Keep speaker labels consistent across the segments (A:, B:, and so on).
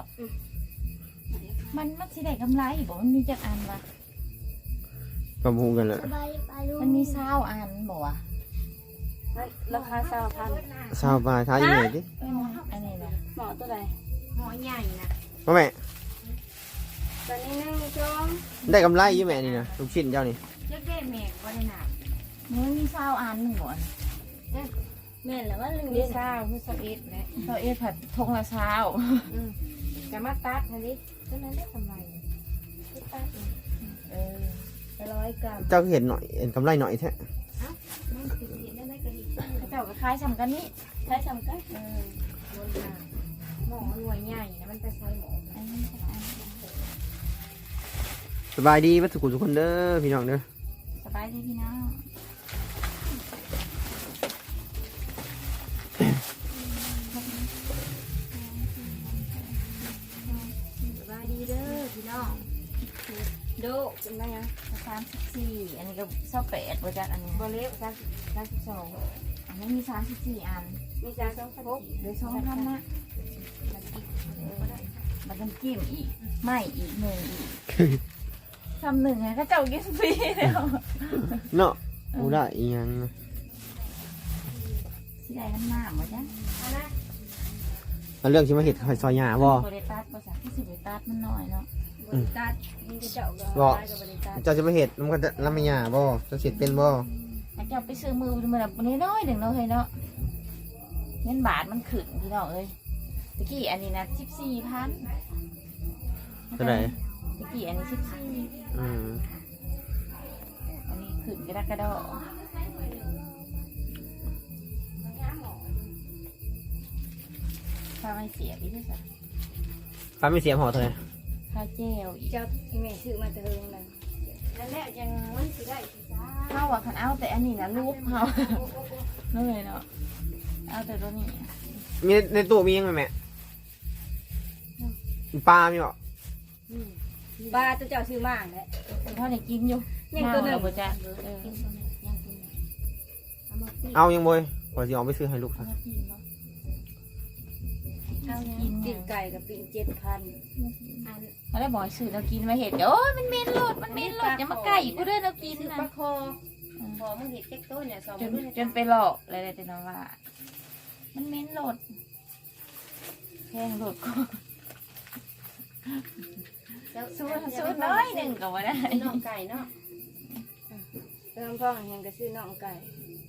A: มันสิได้กำไรบ่มันมีจักอันวะ
B: ประมูลกันแหละ
A: มันมี20อันบ่วะ
C: ราคา20,000
B: สาวบายท้ายยังไงดิ
A: อันนี้นะ
C: หมอตัวใด
A: หมอใหญ่นะ
B: พ่อแม่
C: ตัวนี้1 2
B: ได้กำไรอยี่แม่นี่นะลูกชิ้นเจ้านี่
A: เจ๊แม่บ่ได้หนักมันมี20อันนึงบ่
C: แม่นแล้วว่า1
A: มี
C: เด้
A: 20คือ21นะ21ผัดทงละ20จะมาตัดหั่นดิฉะนั้นได้กำไร
C: ตัด 100 กรัม
B: เจ้าเห็นหน่อยเห็นกำไรหน่อยแท้
C: มันสิเห็นได้ก็ดี
A: เจ้าก็คล้ายสำกันนี่
C: ใช้สำคัญ
A: บนหม้อหน่วยใหญ่นะมันจะใช้หม้ออันนี้
B: สบายดีวัตถุกุทุกคนเด้อพี่น้องเด้อ
A: สบายดีพี่น้องสบายดีเด้อพี่น้อง
C: โดเป็นไงอ่ะ
A: 34อันนี้ก็28บ่จักอันนี้
C: บ่เล็ว
A: 32อันนี้มี34อัน
C: มีจาน2พก
A: เดี๋ยวช่องทำนะมันต้องจิ้มอีกไม่อีกหนึ่งอีกทำหนึ่งไงก็เจ้ากินฟรีแล้ว
B: เนาะอูได้อีหยังนะ
A: สิได้น้ำหน้าหมดจ้ะ
B: เอาเรื่องที่มาเห็ดซอยหญ้าบ่
A: บริตัดภาษาที่สิบริตัดมันน้อยเนาะ
C: บริตัดมีแต่เจ้าก็
B: บ่
C: ได้กับบริตัด
B: เจ้าจะมาเห็ดมันก็จะรับไม่หญ้าบ่เจ้าเห็ดเป็นบ่
A: แล้วเจ้าไปซื้อมือมันแบบนี้น้อยหนึ่งเนาะเฮ้ยเนาะเงินบาทมันขึ้นพี่น้องเอ้ยตะกี้อันนี้นะ14,000
B: เท่าไหร่
A: ตะกี้อันนี้14
B: อืม
A: อันนี้ขึ้นกระดอกถ้าไม่เสียพี่ที่สุด
B: ฟ้าไม่เสียหอเท่าไหร่
A: ข้าวเจลอีก
C: เจ้าที่แม่ซื้อมาแต่เฮิงนั่นนั่นแหละยังมันสิได้สิจ้า
A: ข้าวว่าคันเอาแต่อันนี้นะลูกเขานั่นเลยเนาะเอาแต่ตัวนี้
B: มีในตู้มียังไงแม่ปลามีบ่
C: ปลาตัวเจ้าซื้อมาแหละ
A: พ่อเนี่ยกินอยู่
C: ยังตัวหนึ่ง
A: เราบ่จะ
B: เอายังบ่ก่อนสิออกไปซื้อให้ลูกค่ะ
C: เอาปิ้งไก่กับปิ้ง7,000อัน
A: เขาได้บอกให้ซื้อเรากินมาเห็ดโอ้ยมันเหม็นโลดมันเหม็นโลดอย่ามาใกล้กูเด้อเรากิน
C: ซื้อ
A: นะ
C: ปลาคอพอมึงเห็ดเจ๊กโต้เนี่ย2
A: จนไปหลอกอะไรแต่น้องว่า มันเหม็นโลดแพงโลดก็สู้น้อยหนึ่งก็ว่าได้
C: น้องไก่เนาะเติมพ่อยังก็ซื้อน้องไก่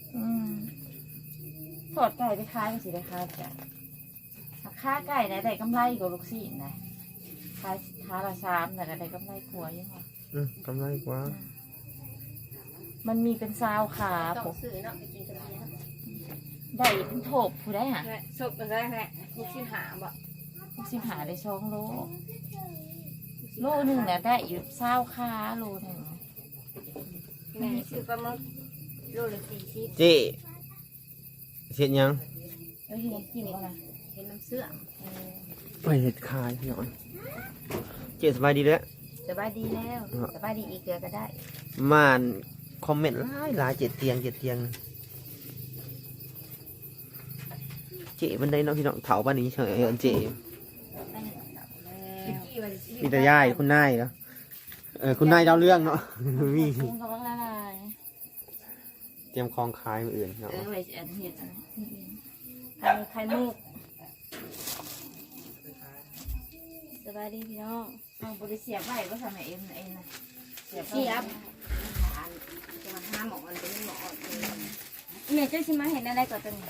A: ทอดไก่ไปขายก็สิได้ขายจ้ะค่าไก่ได้กำไรกว่าลูกศิษย์นะขายค้าละ3แต่ได้กำไรกว่ายังไง
B: กำไรกว่า
A: มันมีเป็นซาวขา
C: ต้
A: ผ
C: อง
A: ม
C: ซื้อเนาะไปกินกับเมียเนาะ
A: ได้เป็นโถบผู้ได้หะ
C: แหละศพอะไรแหละลูกชิ้นหาบ่
A: สิหาได้2 โลโลหนึ่งเนี่ยได้อยู่ซาวขาโลหนึ่ง
C: แม่ซื้อปลาหมึกโลละ40
B: เจ๊เห็ดยัง
A: เอ้ยกินก็นะ
C: เห็นน้ำเสื้อ
B: ไปเห็ดคายพี่น้องเจ๊สบายดีเด้อ
A: สบายดีแล้วสบายดีอีกเดือก็ได้
B: ม่านคอมเมนต์หลายเจ็ดเตียงเจ๊มันได้เนาะพี่น้องเถาบ้านนี้เฉยเจ๊มีแต่ย่ายคุณนายเนาะคุณนายเล่าเรื่องเนาะมี
A: กุ้งกำลังละลาย
B: เตรียมคลองคายมืออื่นเนาะ
A: ไว้อันเห็ดอันนี้ไข่มุก
C: สบายดีพี่น้อง
A: เอาบริเสียบไว้ก็ทำให้เอ็มนะเสียบ
C: เสียบจะมาห้าหมอมันเป็นหมอแม่เจ้าสิมาเห็นอะไรก่อนตัวนี้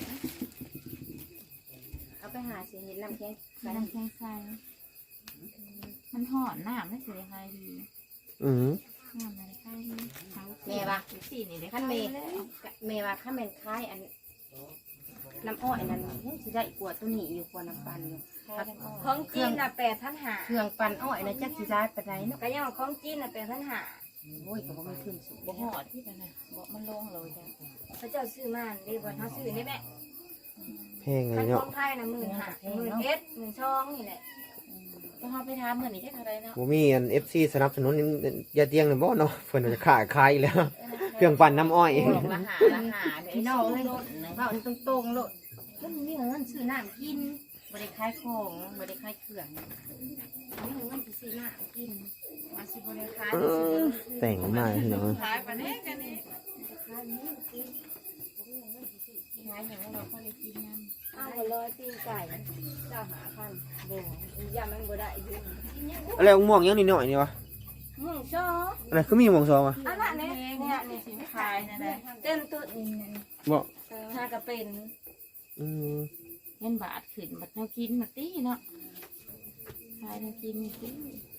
C: เอาไปหาสิเห็นน้ำแข็ง
A: ใส่น้ำแข็งใส่มันหอนน้ำไม่สิได้ใครดี
B: อือ
A: น้ำอะไรใครดี
C: แม่ว่า
A: สีนี่ได้
C: ขั้นเมย์เมย์ว่าขั้นเมย์คล้ายอันน้ำอ้อยนั่นสิได้กว่าตัวนี้อยู่กว่าน้ำปั่นอยู่ของจีนน่ะ8,500เครื่องปั่นอ้อยนะจักสิได้ปานใดเนาะก็ยังของจีนน่ะ8,500โอ้ยก็บ่มันขึ้นสูง
A: บ่หอดที่นั่นน่ะบ่มันลงเลยจ้ะ
C: พระเจ้าซื้อมาได้บ่เฮาซื้อได้แม่
B: แพงไง
C: คันข
B: เนาะ
C: องไทยน่ะ15,000 11,000 12,000นี่แหละ
A: ก็เขาไปทำเหมือนนี้จะอะไรเนาะ
B: ผมมีอัน FC สนับสนุนยาเตียงเลยบ่เนาะเพิ่นจะขายอีกแล้ว เครื่องปั่นน้ำอ้อย
A: บอกละหาเดี๋ยว
C: พี่น้
A: น้
C: อ
A: อง ง
C: เล
A: เลย ย
C: เว้าตรงๆโลดมันมีเงินซื้อน้ำกินบ่ได้ขายของบ่ได้ขายเครื่องรื่องนี่เงินซื้อหน้ากินมาสิบริขาย
B: แต่งมาพี่น้อง
A: ขายปานนี้กันนี่
C: ขายนี่กิน
A: ขายอย่างเราก็เลยกินน้
C: อ้าวร้อยตีนไก่เจ้าหาพันโบยามันบ่ได้ยุ่ง
B: อะไรม่วงยังนิดหน่อยนี่วะ
C: ม่วงชอ
B: อะไรคือมีม่วงซองวะ
C: อันนั้นเนี่ย
A: ำนี่สิขายนั่นแหละ
C: เต้นตัวนี่
B: บอก
C: ถ้ากระเป็น
B: อืม
A: เงินบาทขึ้นบัดเรากินมาตีเนาะขายเรากินตี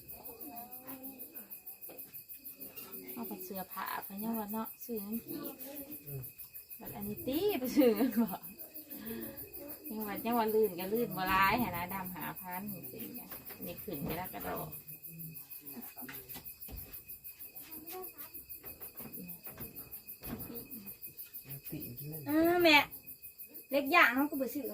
A: เอาไปเสื้อผ้าไปเนี่ยว่าเนาะซื้อน้ำกีบบัดอันนี้ตีไปซื้อกันบ่ยังว่าลื่นก็ลื่นบ่ร้ายหนะดำ5,000จริงๆจ้ะนี่ขึ้นไปแล้วกระโดด
C: แม่เล็กย่างเขาก็ไปซื้อแม่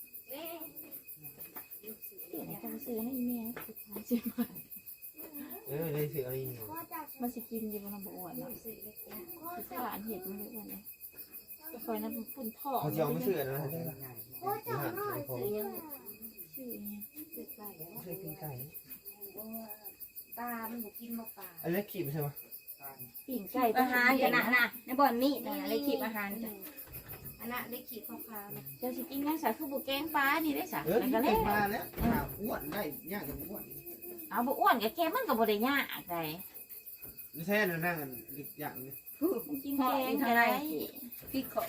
A: เดี๋ยวนี้ต้องซื้อให้แม่สุดท้ายซื้อมา
B: ได้สิอะไรนี่
A: มันสิกินอยู่บนลำบอ้วนเนาะคือสารเห็ดมันเลยอ้วนเลยจะคอยนั้นปุ่นท่อ
B: เขาจะเอาไม่เชื่อนะได้ปะ
A: ซื้อเนี่ยซื้อไก่
B: เคยกินไก่
C: ปลามันบุกินมาปลา
B: อันนี้ขีดใช่ปะ
A: ปิ่งไก่
C: อาหารกันนะในบ่อนมีดนะเล็กขีบอาหารจ้ะอันนั้นเล็กขีบข้าวปลา
A: เจ้าสิกินยังสาคือบุแกงปลานี่ได้สา
D: กิน
A: ก็เล
D: เก่
A: ย
D: งมาแล้วอ้วนได้ยากกับอ้วน
A: เอาบุอ้วนกับแกมันกับบุได้ยากใด
D: ไม่ใช่นะนั่งกันอีกอย่างนึง
A: มันกินแกงอะไร
C: พริกเขา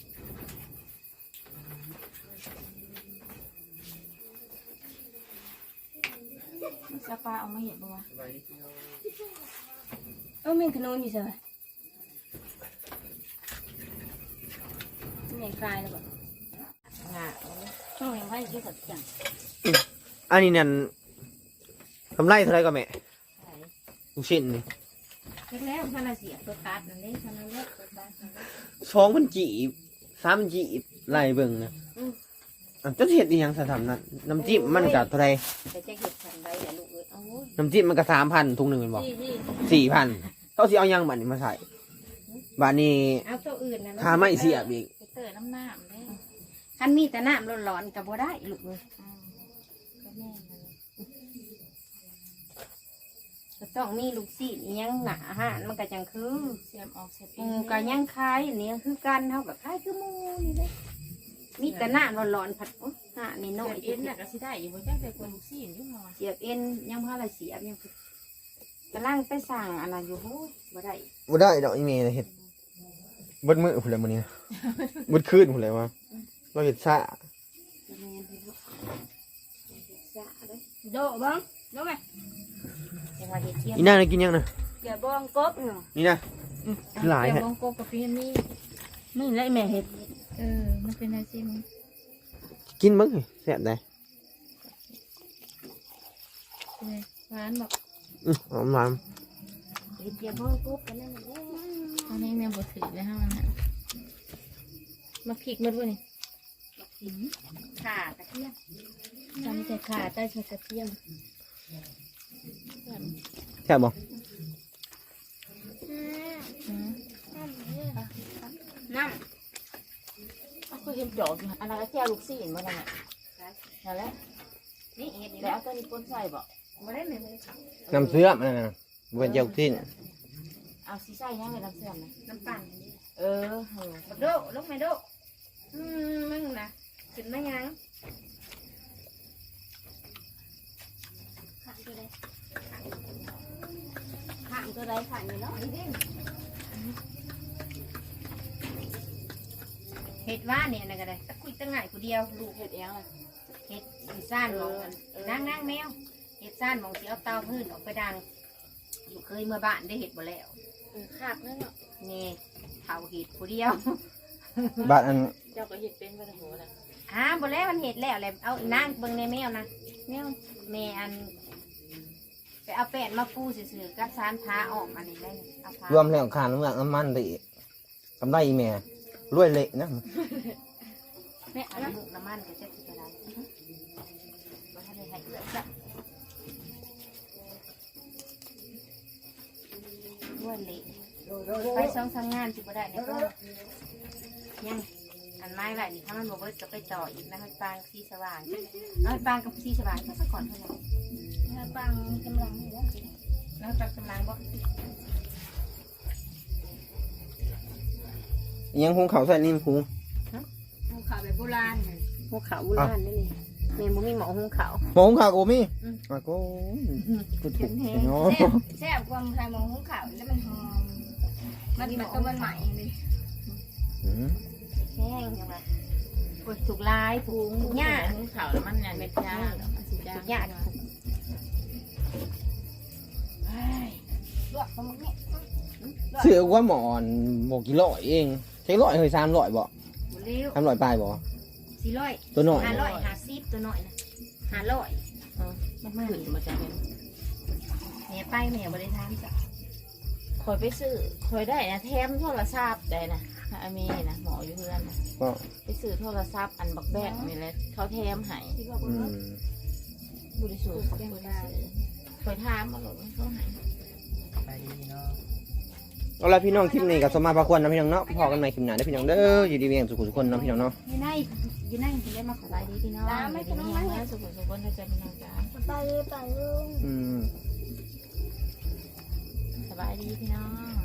A: สปาเอามาเห็ดบัว
C: มีขนมอยู่ใช่ไหมไม่คลายเลยบ่
A: งา
C: ช่วงยังไม่กินกับจัง
B: อันนี้นั่นกำไรเท่าไรก็แม่ลูกชิ้นนี่
C: แล้วพันละเสียตัวตัดนั่นเองพันละเล็กตัวตัด
B: 2,000กีบ3,000กีบไล่เบิ่งนะอันเจ้าเห็ดอีหยังสะทำนั่นน้ำจิ้มมันก็เท่าไร
C: แต่จะเห็ดทันได้แต่ลูกเอ้ยเอา
B: น้ำจิ้มมันก็3,000ถุงหนึงเป็นบ่
C: ที่
B: 4,000เขาสิเอาหยังบัดนี้มาใส่บัดนี้
C: เอาตัวอื่นนะ
B: ค่าไม่เสียบอีก
A: ไปเตอน้ำน้ำได้
C: คันมีแต่น้ำร้อนๆกับบ่ได้ลูกเอ้ย
A: ก็แม่เลย
C: ก็ต้องมีลูกศิษย์ยังหนาฮะมันก็จังคือ
A: เสียมออกเสร็จ
C: ก็ยังคล้ายอันนี้คือกันเท่ากับคล้ายคือหมูนี่เลยมีแต่น้ำร้อนๆผัดฮะนี่
A: เสี
C: น้อย
A: ยบเอ็นน่ะก็สิได้อยู่บนจ้าแต่คนลูกซีนอยู่หน่อย
C: เสียบเอ็นยังพาละเสียบยังกำลังไปสั่งอะไรอยู่โหบ่ได้
B: บ่ได้ดอกอีเมลเฮ็ดเบิดมื้อพุ่นแหละมื้อนี้เบิดคืนพุ่นแหละว่าเราเฮ็ดซ่า
C: โดบ้างโดไหมจังหวะเห็ดเทียม
B: อีน่าน่ะกินยังน่ะ
C: เดี๋ยวบ้องกบเนาะ
B: นี่นะหลาย
A: แต่
B: แฮะ
A: วงกบกับพี่นี่
C: นี่ไรแม่เห็ด
A: มันเป็นอะไรสิมึง
B: กินเบิ่งให้แซ่บได้
A: หวานบอก
B: หอมหวาน
C: เห็ดเทียมบ้องกบกันนั่นแหละ
A: ตอนนี้แม่บดถือเลยฮะมันมาพริกมันด้วยนี่
C: ข่ากระเทียม
A: จำแต่ขาใต้ใส่กระเทียม
B: แซ่บบ่
C: น้
A: เอาก็เห็นดอกอยู่อันนั้นก็แก้วลูกซีนมาแล้วเนี่ยนั่นแหละ
C: ำนี่เห็ดนี่
A: แล้
C: แล้ว ว
A: เอาตัวนี้ปนใส่บอก
C: บ่ได้แม่
B: น้ำเสื่อมนั่นน่ะบ่เป็นเจ้าทิ้น
A: เอาซีใส่ยังไงน้ำเสื่อมนะ
C: น้ำปั่น
A: เออ
C: โดลูกไม่โดมึงนะขึ้นมายังข้างตัวใดข้างนี่เนาะเห็ดว่าเนี่ยนะก็ได้ตะกุยตะง่ายผู้เดียวลูก
A: เห็ดเองเลย
C: เห็ดซ่านมองนั่งแมวเห็ดซ่านมองสีเอาเตาพื้นออกไปดังอยู่เคยเมื่อบ้านได้เห็ดบ่แล้ว
A: ขาดนั่นเนาะ
C: นี่เผาเห็ดผู้เดียว
B: บ้านอัน
A: เจ้าก็เห็ดเป็นไปทั้งหัวเลย
C: บ่แล้วมันเห็ดแล้วแหละเอานั่งเบิ่งในแมวนะแมวแม่อันไปเอาแป้นมาปูซื่อๆกับสารพาออกมานี่ได้เอาพาร
B: วมแล้วค่าน้ำมันน้ำมันได้อีกกำไรอีแม่รวยเละนะ
C: แม่เอาลูกน้ำมันก็จะสิอะไรบ่ทันได้ให้เอื้อจ้ะด้วยเละไปสองทำงานสิบ่ได้เนี่ยก็ยังอันไม้ไหลนี่ถ้ามันบ่เบิดก็ไปต่ออีกนะมันปางสีสว่างน้อยปางกับสีสว่างก็ซะก่อนเท่านั้นน้อยปางกำลังนี่แล้วน้อยปางกำลังบ่
B: ยังหุงข้าวใส่นี่หุง
C: หุงข้าวแบบโบราณหุงข้าวโบราณนี่นี่แม่บ่มีหม้อหุงข้าว
B: หมอหุงข้าวกูมีอ่ะกูกูถูกเนาะ
C: แซ่บกว่าใส่หม้อหุงข้าวแล้วมันหอมมันก็มันใหม่เลยแห้งจังว่าปวดสุกลายผูงหญ้า
A: หุงข้าวแล้วมันเนี่ยเม็ดยามันสิจ้า
C: หญ้าลวกตรงนี้
B: เสือว่าหมอนบอกกี่ร้อยเองใช้ร้อยเฮ้ย300บ่
C: เร็ว
B: 300ปลายบ่
C: 400
B: ตัวหน่อย
C: 550ตัวน้อยนะ500
A: มันขึ้นมาจากเป็น
C: แม่ไปแม่บ่ได้ทานจ้ะ
A: คอยไปซื้อคอยได้นะแถมโทรศัพท์ได้นะอามีนะหมออยู่เพื่อนนะ
B: ก็
A: ไปซื้อโทรศัพท์อันบักแบกนี่แหละเขาแถมให้ บริสุทธิ์เขาเคยถามมาหรอกเขาให้
D: ไปดีเนาะ
B: เอาละพี่น้องคลิปนี้กับสมมาพาควรนะพี่น้องเนาะพอกันใหม่คลิปหน้าได้อพี่น้องเด้ออยู่ดีมีอย่างสุขทุกคนเนาะพี่น้องเนาะ
C: อยู่ในถึงได้มาขอ
A: สบายดีพี่น้องไม่เป็นไรนะสุขสุขคนถ้าจะพี่น้องจ้า
C: ไปลุง
B: อืม
A: สบายดีพี่น้อง